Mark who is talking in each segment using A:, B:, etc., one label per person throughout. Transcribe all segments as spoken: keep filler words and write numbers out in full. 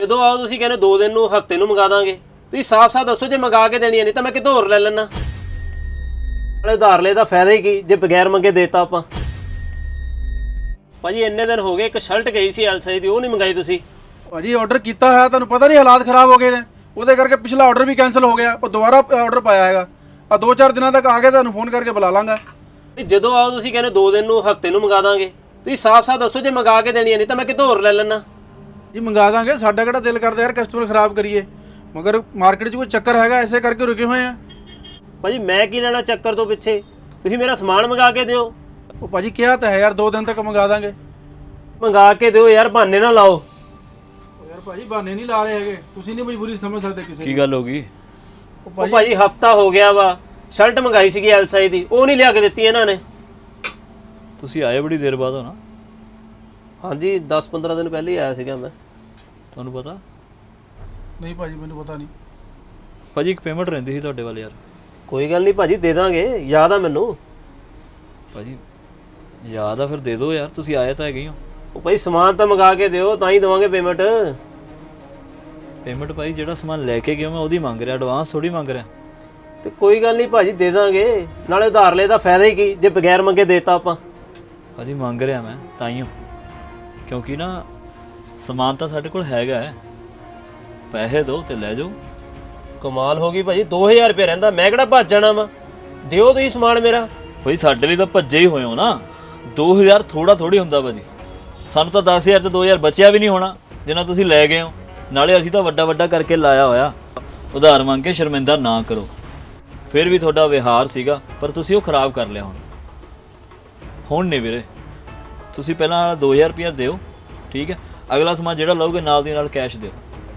A: ਜਦੋਂ ਆਓ ਤੁਸੀਂ ਕਹਿੰਦੇ ਦੋ ਦਿਨ ਨੂੰ ਹਫਤੇ ਨੂੰ ਮੰਗਾ ਦਾਂਗੇ। ਤੁਸੀਂ ਸਾਫ਼-ਸਾਫ਼ ਦੱਸੋ ਜੇ ਮੰਗਾ ਕੇ ਦੇਣੀ ਨਹੀਂ ਤਾਂ ਮੈਂ ਕਿਤੋਂ ਹੋਰ ਲੈ ਲੈਣਾ। ਨਾਲੇ ਉਧਾਰ ਲੈ ਦਾ ਫਾਇਦਾ ਹੀ ਕੀ ਜੇ ਬਗੈਰ ਮੰਗੇ ਦੇਤਾ ਆਪਾਂ। ਭਾਜੀ ਇੰਨੇ ਦਿਨ ਹੋ ਗਏ, ਇੱਕ ਸ਼ਰਟ ਗਈ ਸੀ ਐਲ ਸਾਈਜ਼ ਦੀ, ਉਹ ਨਹੀਂ ਮੰਗਾਈ ਤੁਸੀਂ।
B: ਭਾਜੀ ਆਰਡਰ ਕੀਤਾ ਹੋਇਆ, ਤੁਹਾਨੂੰ ਪਤਾ ਨਹੀਂ ਹਾਲਾਤ ਖਰਾਬ ਹੋ ਗਏ ਨੇ, ਉਹਦੇ ਕਰਕੇ ਪਿਛਲਾ ਆਰਡਰ ਵੀ ਕੈਨਸਲ ਹੋ ਗਿਆ। ਉਹ ਦੁਬਾਰਾ ਆਰਡਰ ਪਾਇਆ ਹੈਗਾ, ਆ ਦੋ ਚਾਰ ਦਿਨਾਂ ਤੱਕ ਆ ਕੇ ਤੁਹਾਨੂੰ ਫੋਨ ਕਰਕੇ ਬੁਲਾ ਲਾਂਗਾ।
A: ਜਦੋਂ ਆਓ ਤੁਸੀਂ ਕਹਿੰਦੇ ਦੋ ਦਿਨ ਨੂੰ ਹਫਤੇ ਨੂੰ ਮੰਗਾ ਦਾਂਗੇ। ਤੁਸੀਂ ਸਾਫ਼-ਸਾਫ਼ ਦੱਸੋ ਜੇ ਮੰਗਾ ਕੇ ਦੇਣੀ ਨਹੀਂ ਤਾਂ ਮੈਂ ਕਿਤੋਂ ਹੋਰ ਲੈ ਲੈਣਾ।
B: ਜੀ ਮੰਗਾ ਦਾਂਗੇ, ਸਾਡਾ ਕਿਹੜਾ ਦਿਲ ਕਰਦਾ ਯਾਰ ਕਸਟਮਰ ਖਰਾਬ ਕਰੀਏ, ਮਗਰ ਮਾਰਕੀਟ 'ਚ ਕੋਈ ਚੱਕਰ ਹੈਗਾ, ਐਸੇ ਕਰਕੇ ਰੁਕੇ ਹੋਏ ਆ।
A: ਭਾਜੀ ਮੈਂ ਕੀ ਲੈਣਾ ਚੱਕਰ ਤੋਂ ਪਿੱਛੇ, ਤੁਸੀਂ ਮੇਰਾ ਸਮਾਨ ਮੰਗਾ ਕੇ ਦਿਓ।
B: ਉਹ ਭਾਜੀ ਕਿਹਾ ਤਾਂ ਹੈ ਯਾਰ ਦੋ ਦਿਨ ਤੱਕ ਮੰਗਾ ਦਾਂਗੇ।
A: ਮੰਗਾ ਕੇ ਦਿਓ ਯਾਰ, ਬਹਾਨੇ ਨਾ ਲਾਓ।
B: ਯਾਰ ਭਾਜੀ ਬਹਾਨੇ ਨਹੀਂ ਲਾ ਰਹੇ ਹੈਗੇ, ਤੁਸੀਂ ਨਹੀਂ ਮਜਬੂਰੀ ਸਮਝ ਸਕਦੇ ਕਿਸੇ
C: ਕੀ ਗੱਲ ਹੋ ਗਈ?
A: ਉਹ ਭਾਜੀ ਹਫਤਾ ਹੋ ਗਿਆ ਵਾ, ਸ਼ਰਟ ਮੰਗਾਈ ਸੀਗੀ ਐਲ ਸਾਈਜ਼ ਦੀ, ਉਹ ਨਹੀਂ ਲਿਆ ਕੇ ਦਿੱਤੀ ਇਹਨਾਂ ਨੇ।
C: ਤੁਸੀਂ ਆਏ ਬੜੀ ਦੇਰ ਬਾਅਦ ਹੋ ਨਾ?
A: ਹਾਂਜੀ ਦਸ ਪੰਦਰਾਂ ਦਿਨ ਪਹਿਲੇ ਹੀ ਆਇਆ ਸੀਗਾ ਮੈਂ।
C: ਤੁਹਾਨੂੰ ਪਤਾ?
B: ਨਹੀਂ ਭਾਜੀ ਮੈਨੂੰ ਪਤਾ ਨਹੀਂ।
C: ਭਾਜੀ ਇੱਕ ਪੇਮੈਂਟ ਰਹਿੰਦੀ ਸੀ ਤੁਹਾਡੇ ਵੱਲ ਯਾਰ।
A: ਕੋਈ ਗੱਲ ਨਹੀਂ ਭਾਜੀ, ਦੇ ਦਾਂਗੇ, ਯਾਦ ਆ ਮੈਨੂੰ।
C: ਭਾਜੀ ਯਾਦ ਆ ਫਿਰ ਦੇ ਦਿਓ ਯਾਰ, ਤੁਸੀਂ ਆਏ ਤਾਂ ਹੈਗੇ ਹੋ।
A: ਉਹ ਭਾਈ ਸਮਾਨ ਤਾਂ ਮੰਗਾ ਕੇ ਦਿਓ ਤਾਂ ਹੀ ਦੇਵਾਂਗੇ ਪੇਮੈਂਟ।
C: ਪੇਮੈਂਟ ਭਾਈ ਜਿਹੜਾ ਸਮਾਨ ਲੈ ਕੇ ਗਿਆ ਮੈਂ ਉਹਦੀ ਮੰਗ ਰਿਹਾ, ਐਡਵਾਂਸ ਥੋੜੀ ਮੰਗ ਰਿਹਾ।
A: ਤੇ ਕੋਈ ਗੱਲ ਨਹੀਂ ਭਾਜੀ, ਦੇ ਦਾਂਗੇ, ਨਾਲੇ ਉਧਾਰ ਲੈ ਦਾ ਫਾਇਦਾ ਹੀ ਕੀ ਜੇ ਬਗੈਰ ਮੰਗੇ ਦੇਤਾ ਆਪਾਂ।
C: ਭਾਜੀ ਮੰਗ ਰਿਹਾ ਮੈਂ ਤਾਂ ਹੀ, ਕਿਉਂਕਿ ਨਾ ਸਮਾਨ ਤਾਂ ਸਾਡੇ ਕੋਲ ਹੈਗਾ ਹੈ, ਪੈਸੇ ਦਿਓ ਤੇ ਲੈ ਜਾਓ।
A: ਕਮਾਲ ਹੋ ਗਈ ਭਾਜੀ, ਦੋ ਹਜ਼ਾਰ ਰੁਪਏ ਰਹਿੰਦਾ, ਮੈਂ ਕਿਹੜਾ ਭੱਜ ਜਾਣਾ ਵਾ। ਦਿਓ ਤੁਸੀਂ ਸਮਾਨ ਮੇਰਾ।
C: ਭਾਈ ਸਾਡੇ ਲਈ ਤਾਂ ਭੱਜੇ ਹੀ ਹੋਏ ਹੋ ਨਾ, ਦੋ ਹਜ਼ਾਰ ਥੋੜਾ ਥੋੜੀ ਹੁੰਦਾ ਭਾਜੀ। ਸਾਨੂੰ ਤਾਂ ਦਸ ਹਜ਼ਾਰ ਤੇ ਦੋ ਹਜ਼ਾਰ ਬਚਿਆ ਵੀ ਨਹੀਂ ਹੋਣਾ ਜਿੰਨਾ ਤੁਸੀਂ ਲੈ ਗਏ ਹੋ। ਨਾਲੇ ਅਸੀਂ ਤਾਂ ਵੱਡਾ ਵੱਡਾ ਕਰਕੇ ਲਾਇਆ ਹੋਇਆ। ਉਧਾਰ ਮੰਗ ਕੇ ਸ਼ਰਮਿੰਦਾ ਨਾ ਕਰੋ। ਫਿਰ ਵੀ ਤੁਹਾਡਾ ਵਿਹਾਰ ਸੀਗਾ, ਪਰ ਤੁਸੀਂ ਉਹ ਖਰਾਬ ਕਰ ਲਿਆ। ਹੁਣ ਹੁਣ ਨਹੀਂ ਵੀਰੇ, ਤੁਸੀਂ ਪਹਿਲਾਂ ਦੋ ਹਜ਼ਾਰ ਰੁਪਇਆ ਦਿਓ, ਠੀਕ ਹੈ? ਅਗਲਾ ਸਮਾਨ ਜਿਹੜਾ ਲਓਗੇ ਨਾਲ ਦੀ ਨਾਲ ਕੈਸ਼ ਦਿਓ।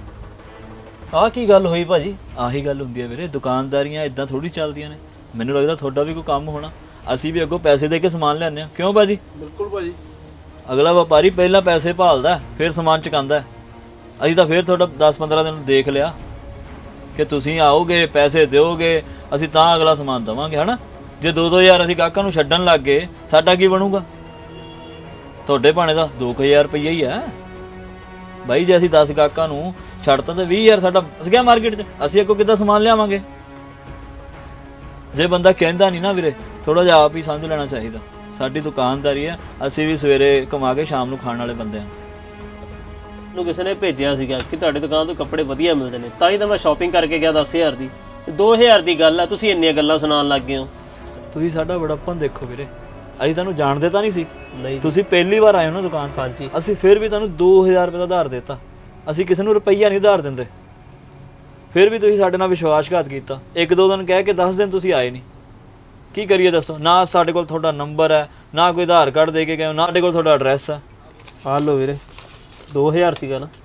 A: ਆਹ ਕੀ ਗੱਲ ਹੋਈ ਭਾਜੀ?
C: ਆਹੀ ਗੱਲ ਹੁੰਦੀ ਹੈ ਵੀਰੇ, ਦੁਕਾਨਦਾਰੀਆਂ ਇਦਾਂ ਥੋੜੀ ਚੱਲਦੀਆਂ ਨੇ। ਮੈਨੂੰ ਲੱਗਦਾ ਤੁਹਾਡਾ ਵੀ ਕੋਈ ਕੰਮ ਹੋਣਾ। ਅਸੀਂ ਵੀ ਅੱਗੋਂ ਪੈਸੇ ਦੇ ਕੇ ਸਮਾਨ ਲਿਆਉਂਦੇ ਹਾਂ, ਕਿਉਂ ਭਾਜੀ?
B: ਬਿਲਕੁਲ ਭਾਜੀ।
C: ਅਗਲਾ ਵਪਾਰੀ ਪਹਿਲਾਂ ਪੈਸੇ ਭਾਲਦਾ ਫਿਰ ਸਮਾਨ ਚੁਕਾਉਂਦਾ। ਅਸੀਂ ਤਾਂ ਫਿਰ ਤੁਹਾਡਾ ਦਸ ਪੰਦਰਾਂ ਦਿਨ ਦੇਖ ਲਿਆ ਕਿ ਤੁਸੀਂ ਆਓਗੇ, ਪੈਸੇ ਦਿਓਗੇ, ਅਸੀਂ ਤਾਂ ਅਗਲਾ ਸਮਾਨ ਦੇਵਾਂਗੇ, ਹੈ ਨਾ? ਜੇ ਦੋ ਦੋ ਹਜ਼ਾਰ ਅਸੀਂ ਗਾਹਕਾਂ ਨੂੰ ਛੱਡਣ ਲੱਗ ਗਏ, ਸਾਡਾ ਕੀ ਬਣੂਗਾ? ਤੁਹਾਡੇ ਭਾਣੇ ਦਾ ਦੋ ਕੁ ਹਜ਼ਾਰ ਰੁਪਈਆ ਹੀ ਹੈ ਬਾਈ। ਜੇ ਅਸੀਂ ਦਸ ਗਾਹਕਾਂ ਨੂੰ ਛੱਡਤਾ ਤਾਂ ਵੀਹ ਹਜ਼ਾਰ ਸਾਡਾ ਫਸ ਗਿਆ ਮਾਰਕੀਟ 'ਚ। ਅਸੀਂ ਅੱਗੋਂ ਕਿੱਦਾਂ ਸਮਾਨ ਲਿਆਵਾਂਗੇ? ਜੇ ਬੰਦਾ ਕਹਿੰਦਾ ਨਹੀਂ ਨਾ ਵੀਰੇ, ਥੋੜਾ ਜਿਹਾ ਆਪ ਹੀ ਸਮਝ ਲੈਣਾ ਚਾਹੀਦਾ। ਸਾਡੀ ਦੁਕਾਨਦਾਰੀ ਹੈ, ਅਸੀਂ ਵੀ ਸਵੇਰੇ ਕਮਾ ਕੇ ਸ਼ਾਮ ਨੂੰ ਖਾਣ ਵਾਲੇ ਬੰਦੇ ਹਾਂ।
A: ਨੂੰ ਕਿਸੇ ਨੇ ਭੇਜਿਆ ਸੀਗਾ ਕਿ ਤੁਹਾਡੀ ਦੁਕਾਨ ਤੋਂ ਕੱਪੜੇ ਵਧੀਆ ਮਿਲਦੇ ਨੇ, ਤਾਂ ਹੀ ਤਾਂ ਮੈਂ ਸ਼ਾਪਿੰਗ ਕਰਕੇ ਗਿਆ ਦਸ ਹਜ਼ਾਰ ਦੀ। ਦੋ ਹਜ਼ਾਰ ਦੀ ਗੱਲ ਆ, ਤੁਸੀਂ ਇੰਨੀਆਂ ਗੱਲਾਂ ਸੁਣਾਉਣ ਲੱਗ ਗਏ ਹੋ।
C: ਤੁਸੀਂ ਸਾਡਾ ਬੜਾਪਨ ਦੇਖੋ ਵੀਰੇ, ਅਸੀਂ ਤੁਹਾਨੂੰ ਜਾਣਦੇ ਤਾਂ ਨਹੀਂ ਸੀ।
A: ਨਹੀਂ,
C: ਤੁਸੀਂ ਪਹਿਲੀ ਵਾਰ ਆਏ ਹੋ ਨਾ ਦੁਕਾਨ।
A: ਹਾਂਜੀ।
C: ਅਸੀਂ ਫਿਰ ਵੀ ਤੁਹਾਨੂੰ ਦੋ ਹਜ਼ਾਰ ਰੁਪਏ ਦਾ ਉਧਾਰ ਦਿੱਤਾ। ਅਸੀਂ ਕਿਸੇ ਨੂੰ ਰੁਪਈਆ ਨਹੀਂ ਉਧਾਰ ਦਿੰਦੇ। ਫਿਰ ਵੀ ਤੁਸੀਂ ਸਾਡੇ ਨਾਲ ਵਿਸ਼ਵਾਸਘਾਤ ਕੀਤਾ। ਇੱਕ ਦੋ ਦਿਨ ਕਹਿ ਕੇ ਦਸ ਦਿਨ ਤੁਸੀਂ ਆਏ ਨਹੀਂ। ਕੀ ਕਰੀਏ ਦੱਸੋ? ਨਾ ਸਾਡੇ ਕੋਲ ਤੁਹਾਡਾ ਨੰਬਰ ਹੈ, ਨਾ ਕੋਈ ਆਧਾਰ ਕਾਰਡ ਦੇ ਕੇ ਗਏ, ਨਾ ਸਾਡੇ ਕੋਲ ਤੁਹਾਡਾ ਐਡਰੈਸ ਹੈ।
A: ਆ ਲਓ ਵੀਰੇ, ਦੋ ਹਜ਼ਾਰ ਸੀਗਾ ਨਾ।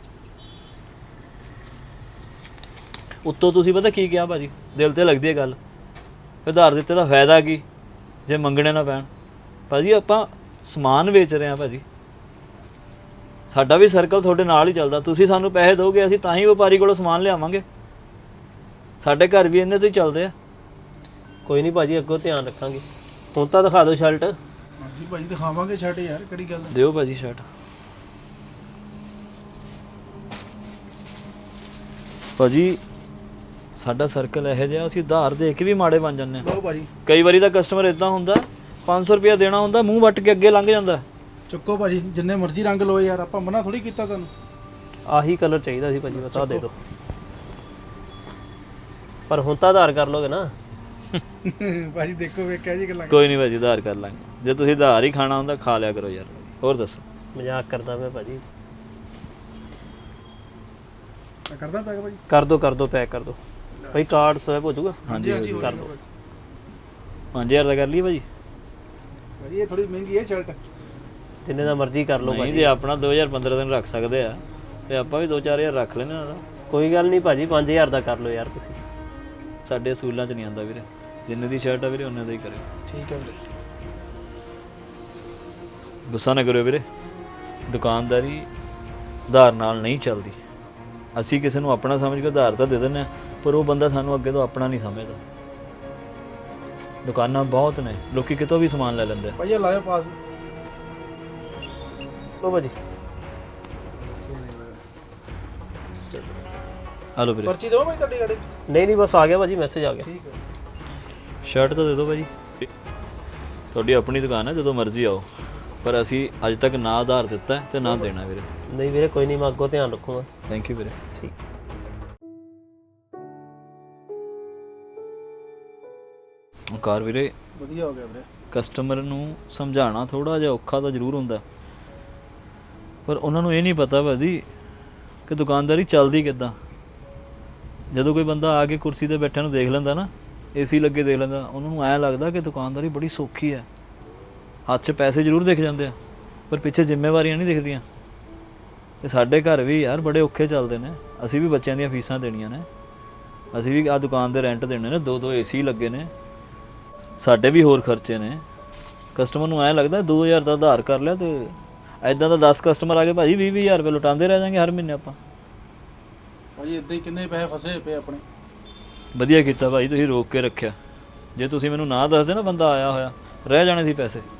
C: ਉੱਤੋਂ ਤੁਸੀਂ ਪਤਾ ਕੀ ਕਿਹਾ ਭਾਜੀ? ਦਿਲ ਤੇ ਲੱਗਦੀ ਹੈ ਗੱਲ। ਉਧਾਰ ਦਿੱਤੇ ਦਾ ਫਾਇਦਾ ਕੀ ਜੇ ਮੰਗਣੇ ਨਾ ਪੈਣ? ਭਾਜੀ ਆਪਾਂ ਸਮਾਨ ਵੇਚ ਰਹੇ ਹਾਂ ਭਾਜੀ, ਸਾਡਾ ਵੀ ਸਰਕਲ ਤੁਹਾਡੇ ਨਾਲ ਹੀ ਚੱਲਦਾ। ਤੁਸੀਂ ਸਾਨੂੰ ਪੈਸੇ ਦਿਓਗੇ, ਅਸੀਂ ਤਾਂ ਹੀ ਵਪਾਰੀ ਕੋਲੋਂ ਸਮਾਨ ਲਿਆਵਾਂਗੇ। ਸਾਡੇ ਘਰ ਵੀ ਇੰਨੇ ਤੋਂ ਹੀ ਚੱਲਦੇ ਆ।
A: ਕੋਈ ਨਹੀਂ ਭਾਜੀ, ਅੱਗੋਂ ਧਿਆਨ ਰੱਖਾਂਗੇ। ਹੁਣ ਤਾਂ ਦਿਖਾ ਦਿਓ ਸ਼ਰਟ।
B: ਹਾਂਜੀ ਭਾਜੀ ਦਿਖਾਵਾਂਗੇ ਸ਼ਰਟ, ਯਾਰ ਕਿਹੜੀ ਗੱਲ ਹੈ।
C: ਦਿਓ ਭਾਜੀ ਸ਼ਰਟ। ਭਾਜੀ ਸਾਡਾ ਸਰਕਲ ਇਹੋ ਜਿਹਾ, ਅਸੀਂ ਉਧਾਰ ਦੇ ਕੇ ਵੀ ਮਾੜੇ ਬਣ ਜਾਂਦੇ ਹਾਂ।
B: ਲਓ ਭਾਜੀ।
C: ਕਈ ਵਾਰੀ ਤਾਂ ਕਸਟਮਰ ਇਦਾਂ ਹੁੰਦਾ, ਪੰਜ ਸੌ ਰੁਪਇਆ ਦੇਣਾ ਹੁੰਦਾ, ਮੂੰਹ ਵੱਟ ਕੇ ਅੱਗੇ ਲੰਘ ਜਾਂਦਾ।
B: ਚੁੱਕੋ ਭਾਜੀ, ਜਿੰਨੇ ਮਰਜ਼ੀ ਰੰਗ ਲਓ ਯਾਰ, ਆਪਾਂ ਮਨਾ ਥੋੜੀ ਕੀਤਾ ਤੁਹਾਨੂੰ।
A: ਆਹੀ ਕਲਰ ਚਾਹੀਦਾ ਸੀ ਭਾਜੀ, ਬਸ ਆਹ ਦੇ ਦਿਓ। ਪਰ ਹੁਣ ਤਾਂ ਆਧਾਰ ਕਰ ਲੋਗੇ ਨਾ?
B: ਭਾਜੀ ਦੇਖੋ ਵੇਖਿਆ ਜੀ ਗੱਲਾਂ।
C: ਕੋਈ ਨਹੀਂ ਭਾਜੀ, ਉਧਾਰ ਕਰ ਲਾਂਗੇ। ਜੇ ਤੁਸੀਂ ਉਧਾਰ ਹੀ ਖਾਣਾ ਹੁੰਦਾ ਖਾ ਲਿਆ ਕਰੋ ਯਾਰ। ਹੋਰ ਦੱਸੋ?
A: ਮਜ਼ਾਕ ਕਰਦਾ ਮੈਂ ਭਾਜੀ।
B: ਮੈਂ ਕਰਦਾ ਪੈਕ ਭਾਜੀ।
A: ਕਰ ਦੋ ਕਰ ਦੋ, ਪੈਕ ਕਰ ਦੋ ਭਾਈ। ਕਾਰਡ ਸਵੈਪ ਹੋ ਜਾਊਗਾ?
C: ਹਾਂਜੀ
B: ਹਾਂਜੀ
A: ਕਰ ਦੋ।
C: ਪੰਜ ਹਜ਼ਾਰ ਦਾ ਕਰ ਲਈ ਭਾਜੀ।
B: ਭਾਜੀ ਇਹ ਥੋੜੀ ਮਹਿੰਗੀ ਹੈ ਸ਼ਰਟ।
A: ਜਿੰਨੇ ਦਾ ਮਰਜ਼ੀ ਕਰ ਲਓ
C: ਨਹੀਂ,
A: ਭਾਜੀ।
C: ਜੇ ਆਪਣਾ ਦੋ ਹਜ਼ਾਰ ਪੰਦਰਾਂ ਦਿਨ ਰੱਖ ਸਕਦੇ ਆ ਤੇ ਆਪਾਂ ਵੀ ਦੋ ਚਾਰ ਹਜ਼ਾਰ ਰੱਖ ਲੈਣੇ ਨਾ।
A: ਕੋਈ ਗੱਲ ਨਹੀਂ ਭਾਜੀ, ਪੰਜ ਹਜ਼ਾਰ ਦਾ ਕਰ ਲਓ ਯਾਰ ਤੁਸੀਂ।
C: ਸਾਡੇ ਅਸੂਲਾਂ 'ਚ ਨਹੀਂ ਆਉਂਦਾ ਵੀਰੇ, ਜਿੰਨੇ ਦੀ ਸ਼ਰਟ ਆ ਵੀਰੇ ਉਹਨੇ ਦਾ ਹੀ ਕਰਿਓ।
B: ਠੀਕ ਹੈ ਵੀਰੇ।
C: ਗੁੱਸਾ ਨਾ ਕਰਿਓ ਵੀਰੇ, ਦੁਕਾਨਦਾਰੀ ਉਧਾਰ ਨਾਲ ਨਹੀਂ ਚੱਲਦੀ। ਅਸੀਂ ਕਿਸੇ ਨੂੰ ਆਪਣਾ ਸਮਝ ਕੇ ਉਧਾਰ ਤਾਂ ਦੇ ਦਿੰਦੇ ਹਾਂ, ਪਰ ਉਹ ਬੰਦਾ ਸਾਨੂੰ ਅੱਗੇ ਤੋਂ ਆਪਣਾ ਨਹੀਂ ਸਮਝਦਾ। ਦੁਕਾਨਾਂ ਬਹੁਤ ਨੇ, ਲੋਕੀ ਕਿਤੋਂ ਵੀ ਸਮਾਨ ਲੈ ਲੈਂਦੇ।
B: ਭਾਈ ਇਹ ਲਾਇਓ ਪਾਸ।
A: ਲਓ ਭਾਜੀ।
C: ਹਲੋ ਵੀਰੇ
B: ਪਰਚੀ ਦਿਓ ਭਾਈ ਤੁਹਾਡੀ ਗਾੜੀ
A: ਨਹੀਂ ਨਹੀਂ ਬਸ ਆ ਗਿਆ ਭਾਜੀ ਮੈਸੇਜ ਆ ਗਿਆ।
B: ਠੀਕ ਹੈ
C: ਸ਼ਰਟ ਤਾਂ ਦੇ ਦਿਓ ਭਾਜੀ। ਤੁਹਾਡੀ ਆਪਣੀ ਦੁਕਾਨ ਹੈ, ਜਦੋਂ ਮਰਜ਼ੀ ਆਓ, ਪਰ ਅਸੀਂ ਅੱਜ ਤੱਕ ਨਾ ਆਧਾਰ ਦਿੱਤਾ ਹੈ ਤੇ ਨਾ ਦੇਣਾ ਵੀਰੇ।
A: ਨਹੀਂ ਵੀਰੇ ਕੋਈ ਨਹੀਂ, ਮੈਂ ਅੱਗੋਂ ਧਿਆਨ ਰੱਖੂਗਾ।
C: ਥੈਂਕ ਯੂ ਵੀਰੇ।
A: ਠੀਕ।
C: ਕਾਰ ਵੀਰੇ
B: ਵਧੀਆ ਹੋ ਗਿਆ ਵੀਰੇ।
C: ਕਸਟਮਰ ਨੂੰ ਸਮਝਾਉਣਾ ਥੋੜਾ ਜਿਹਾ ਔਖਾ ਤਾਂ ਜ਼ਰੂਰ ਹੁੰਦਾ, ਪਰ ਉਹਨਾਂ ਨੂੰ ਇਹ ਨਹੀਂ ਪਤਾ ਭਾਜੀ ਕਿ ਦੁਕਾਨਦਾਰੀ ਚੱਲਦੀ ਕਿੱਦਾਂ। ਜਦੋਂ ਕੋਈ ਬੰਦਾ ਆ ਕੇ ਕੁਰਸੀ ਤੇ ਬੈਠਿਆਂ ਨੂੰ ਦੇਖ ਲੈਂਦਾ ਨਾ, ਏਸੀ ਲੱਗੇ ਦੇਖ ਲੈਂਦਾ, ਉਹਨਾਂ ਨੂੰ ਐਂ ਲੱਗਦਾ ਕਿ ਦੁਕਾਨਦਾਰੀ ਬੜੀ ਸੌਖੀ ਹੈ। ਹੱਥ 'ਚ ਪੈਸੇ ਜ਼ਰੂਰ ਦਿਖ ਜਾਂਦੇ ਆ, ਪਰ ਪਿੱਛੇ ਜ਼ਿੰਮੇਵਾਰੀਆਂ ਨਹੀਂ ਦਿਖਦੀਆਂ। ਤੇ ਸਾਡੇ ਘਰ ਵੀ ਯਾਰ ਬੜੇ ਔਖੇ ਚੱਲਦੇ ਨੇ। ਅਸੀਂ ਵੀ ਬੱਚਿਆਂ ਦੀਆਂ ਫੀਸਾਂ ਦੇਣੀਆਂ ਨੇ, ਅਸੀਂ ਵੀ ਆਹ ਦੁਕਾਨ ਦੇ ਰੈਂਟ ਦੇਣੇ ਨੇ, ਦੋ ਦੋ ਏਸੀ ਲੱਗੇ ਨੇ, ਸਾਡੇ ਵੀ ਹੋਰ ਖਰਚੇ ਨੇ। ਕਸਟਮਰ ਨੂੰ ਐਂ ਲੱਗਦਾ ਦੋ ਹਜ਼ਾਰ ਦਾ ਉਧਾਰ ਕਰ ਲਿਆ ਤੇ ਐਦਾਂ ਦਾ ਦਸ ਕਸਟਮਰ ਆ ਕੇ ਭਾਜੀ ਵੀਹ ਵੀਹ ਹਜ਼ਾਰ ਰੁਪਏ ਲੁਟਾਉਂਦੇ ਰਹਿ ਜਾਂਗੇ ਹਰ ਮਹੀਨੇ ਆਪਾਂ।
B: ਭਾਜੀ ਇੱਦਾਂ ਹੀ ਕਿੰਨੇ ਪੈਸੇ ਫਸੇ ਪਏ ਆਪਣੇ।
C: ਵਧੀਆ ਕੀਤਾ ਭਾਈ ਤੁਸੀਂ ਰੋਕ ਕੇ ਰੱਖਿਆ। ਜੇ ਤੁਸੀਂ ਮੈਨੂੰ ਨਾ ਦੱਸਦੇ ਨਾ ਬੰਦਾ ਆਇਆ ਹੋਇਆ, ਰਹਿ ਜਾਣੇ ਸੀ ਪੈਸੇ।